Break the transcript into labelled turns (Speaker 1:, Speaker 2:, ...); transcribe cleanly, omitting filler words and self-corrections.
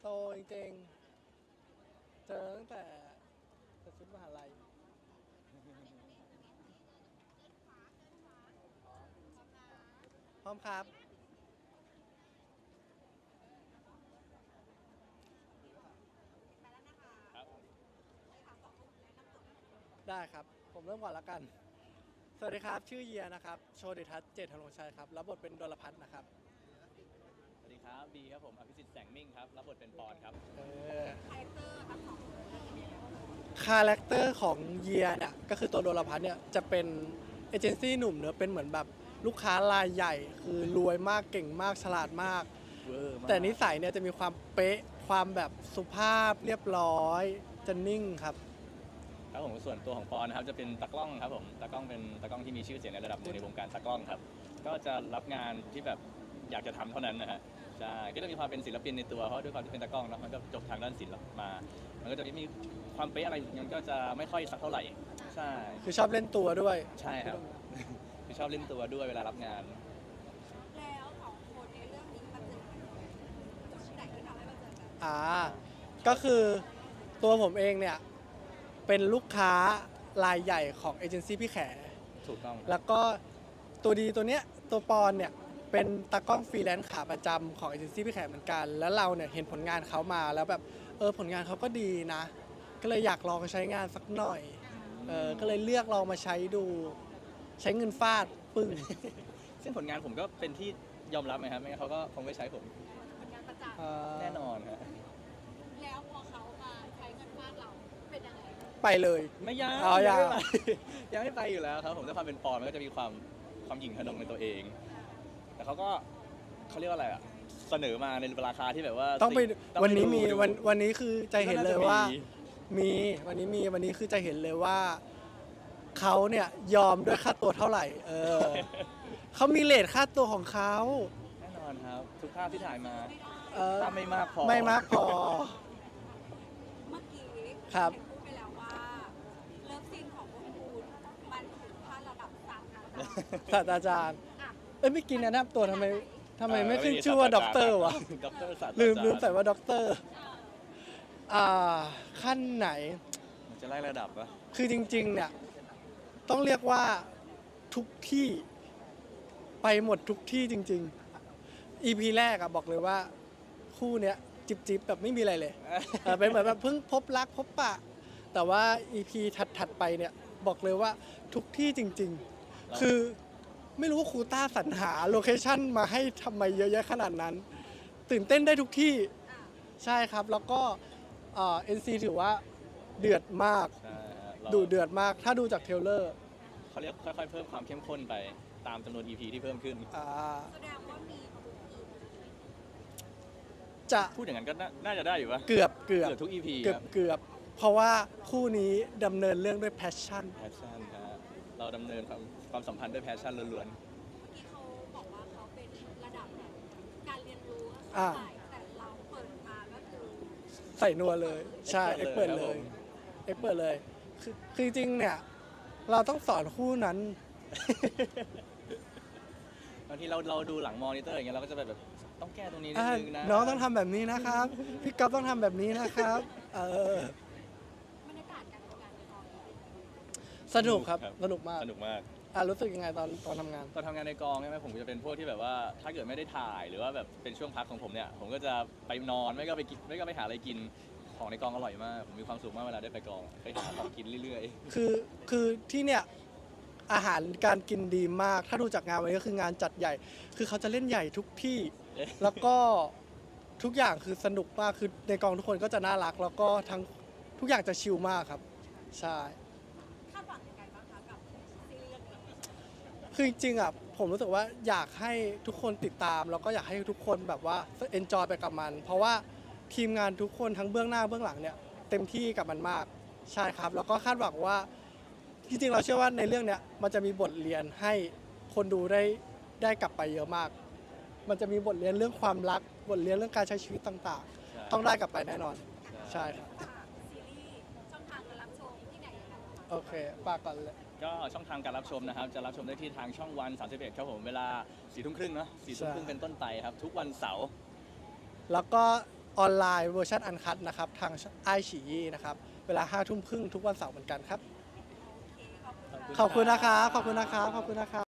Speaker 1: โตจริงๆเจอตั้งแต่ชุดมหาลัยพร้อมครับได้ครับผมเริ่มก่อนแล้วกันสวัสดีครับชื่อเยียนะครับโชติทัศน์เจตธนงชัยครับรับบทเป็นดลพัฒน์นะครับ
Speaker 2: สวัสดีครับบีครับผมอภิสิทธิ์แสงมิ่งครับรับบทเป็นปอนครับ
Speaker 1: คาแรคเตอร์ของเยียเนี่ยก็คือตัวดลพัฒน์เนี่ยจะเป็นเอเจนซี่หนุ่มเนอะเป็นเหมือนแบบลูกค้ารายใหญ่คือรวยมากเก่งมากฉลาดมากแต่นิสัยเนี่ยจะมีความเป๊ะความแบบสุภาพเรียบร้อยจะนิ่งครับ
Speaker 2: ครับผมส่วนตัวของปอนนะครับจะเป็นตากล้องครับผมตากล้องเป็นตากล้องที่มีชื่อเสียงในระดับหนึ่งในวงการตากล้องครับก็จะรับงานที่แบบอยากจะทำเท่านั้นนะฮะใช่ก็จะมีความเป็นศิลปินในตัวเพราะด้วยความที่เป็นตากล้องแล้วมันก็จบทางด้านศิลป์มามันก็จะมีความเป๊ะอะไรมันก็จะไม่ค่อยสักเท่าไหร่ใช่
Speaker 1: คือชอบเล่นตัวด้วย
Speaker 2: ใช่ครับชอบเล่นตัวด้วยเวลารับงาน
Speaker 3: แล้วสองคนในเรื่องนี้มาเจอกันจุดไหนที่ทำให้มาเจอกัน
Speaker 1: ก็คือตัวผมเองเนี่ยเป็นลูกค้ารายใหญ่ของเอเจนซี่พี่แข
Speaker 2: ถูกต้อง
Speaker 1: แล้วก็ตัวดีตัวเนี้ยตัวปอนเนี่ยเป็นตากล้องฟรีแลนซ์ขาประจำของเอเจนซี่พี่แขเหมือนกันแล้วเราเนี่ยเห็นผลงานเขามาแล้วแบบผลงานเขาก็ดีนะก็เลยอยากลองใช้งานสักหน่อยก็เลยเลือกลองมาใช้ดูใช้เงินฟาดปึ้ง
Speaker 2: ซึ่งผลงานผมก็เป็นที่ยอมรับไหมครับไม่งั้นเขาก็คงไม่ใช้ผม
Speaker 3: ผลงานประจ
Speaker 2: แน่นอนฮะ
Speaker 3: ำแล้วพอเขามาใช้เงินฟาดเราเป็นยังไง
Speaker 1: ไปเลย
Speaker 2: ไม่ยัง
Speaker 1: ยัง
Speaker 2: ไม่ไปยังไม่ไปอยู่แล้วครับผมด้วยความเป็นปอนมันก็จะมีความหยิ่งขนงในตัวเองแต่เขาก็เขาเรียกว่าอะไรอะเสนอมาในราคาที่แบบว่า
Speaker 1: ต้องไปวันนี้มี
Speaker 2: ดู
Speaker 1: วันนี้คือใจเห็นเลยว่ามีวันนี้คือใจเห็นเลยว่าเขาเนี่ยยอมด้วยค่าตัวเท่าไหร่เขามีเรทค่าตัวของเขา
Speaker 2: แน่นอนครับทุกภาพที่ถ่ายมา
Speaker 1: ถ้า
Speaker 2: ไม่มากพอ
Speaker 1: เมื่อกี้
Speaker 3: ครับพูดไปแล้วว่าเลิฟซีนของพวกคุณมันถึงขั้นระดับ
Speaker 1: ศาสตราจารย์ไม่กินนะนับตัวทำไมไม่ขึ้นชื่อว่าด็อกเตอร์วะ
Speaker 2: ด็อกเตอร์ศาสตราจารย์
Speaker 1: ลืมใส่ว่าด็อกเตอร์ขั้นไหน
Speaker 2: มันจะไล่ระดับปะ
Speaker 1: คือจริงๆเนี่ยต้องเรียกว่าทุกที่ไปหมดทุกที่จริงๆ EP แรกบอกเลยว่าคู่เนี้ยจิบแบบไม่มีอะไรเลยเป็นเหมือนแบบเพิ่งพบรักพบปะแต่ว่า EP ถัดไปเนี่ยบอกเลยว่าทุกที่จริงๆคือไม่รู้ว่าครูต้าสรรหาโลเคชั่นมาให้ทำไมเยอะแยะขนาดนั้นตื่นเต้นได้ทุกที่ใช่ครับแล้วก็NC ถือว่าเดือดมากดูเดือดมากถ้าดูจากเทรลเลอร์
Speaker 2: เขาเรียกค่อยๆเพิ่มความเข้มข้นไปตามจำนวน EP ที่เพิ่มขึ้น
Speaker 3: แสดงว่ามี
Speaker 1: จะ
Speaker 2: พูดอย่างนั้นก็น่าจะได้อยู่ปะ
Speaker 1: เกือบ
Speaker 2: ทุก EP
Speaker 1: เกือบเพราะว่าคู่นี้ดำเนินเรื่องด้วยแพชชั่น
Speaker 2: ครับเราดำเนินความสัมพันธ์ด้วยแพชชั่นล้วน
Speaker 3: ๆเมื่อกี้เขาบอกว่าเขาเป็นระดับแบบการเรียนรู้แต่เราเปิดมาก็คือ
Speaker 1: ใส่นัวเลยใช่เปิดเลยคือจริงๆเนี่ยเราต้องสอนคู่นั้น
Speaker 2: บางทีเราดูหลังมอนิเตอร์อย่างเงี้ยเราก็จะแบบต้องแก้ตรงนี้นิดนึงนะ
Speaker 1: น้องต้องทำแบบนี้นะครับพี่ก๊อฟต้องทำแบบนี้นะครับ
Speaker 3: บรรยากาศการทำงานในกอง
Speaker 1: สนุกครับสนุกมากรู้สึกยังไงตอนทำงาน
Speaker 2: ในกองใช่ไหมผมจะเป็นพวกที่แบบว่าถ้าเกิดไม่ได้ถ่ายหรือว่าแบบเป็นช่วงพักของผมเนี่ยผมก็จะไปนอนไม่ก็ไปกินไม่ก็ไปหาอะไรกินของในกองอร่อยมากผมมีความสุขมากเวลาได้ไปกองไปหาของกินเรื่อย
Speaker 1: ๆคือที่เนี่ยอาหารการกินดีมากถ้าดูจากงานวันนี้ก็คืองานจัดใหญ่คือเขาจะเล่นใหญ่ทุกที่ แล้วก็ทุกอย่างคือสนุกมากคือในกองทุกคนก็จะน่ารักแล้วก็ทั้งทุกอย่างจะชิลมากครับใช่
Speaker 3: คาดหวังยังไงบ้างคะกับซีรีส์เรื่องนี้
Speaker 1: คือจริงๆผมรู้สึกว่าอยากให้ทุกคนติดตามแล้วก็อยากให้ทุกคนแบบว่าเอนจอยไปกับมันเพราะว่าทีมงานทุกคนทั้งเบื้องหน้าเบื้องหลังเนี่ยเต็มที่กับมันมากใช่ครับแล้วก็คาดหวังว่าจริงๆเราเชื่อว่าในเรื่องเนี้ยมันจะมีบทเรียนให้คนดูได้กลับไปเยอะมากมันจะมีบทเรียนเรื่องความรักบทเรียนเรื่องการใช้ชีวิตต่างๆต้องได้กลับไปแน่นอนใช่ครับ
Speaker 3: ซีรีส์ช่องทางการรับชมที่ไหนยังไง
Speaker 1: โอเคฝากก่อนเลย
Speaker 2: ก็ช่องทางการรับชมนะครับจะรับชมได้ที่ทางช่องวัน31ครับผมเวลา 4:30 เนาะ 4:30 เป็นต้นไปครับทุกวันเสาร์
Speaker 1: แล้วก็ออนไลน์เวอร์ชันอันคัดนะครับทางไอฉี่นะครับเวลา 5 ทุ่มครึ่งทุกวันเสาร์เหมือนกันครับ
Speaker 3: โอเคขอบคุณ
Speaker 1: ขอบคุณนะครับขอบคุณนะครับขอบคุณนะครับ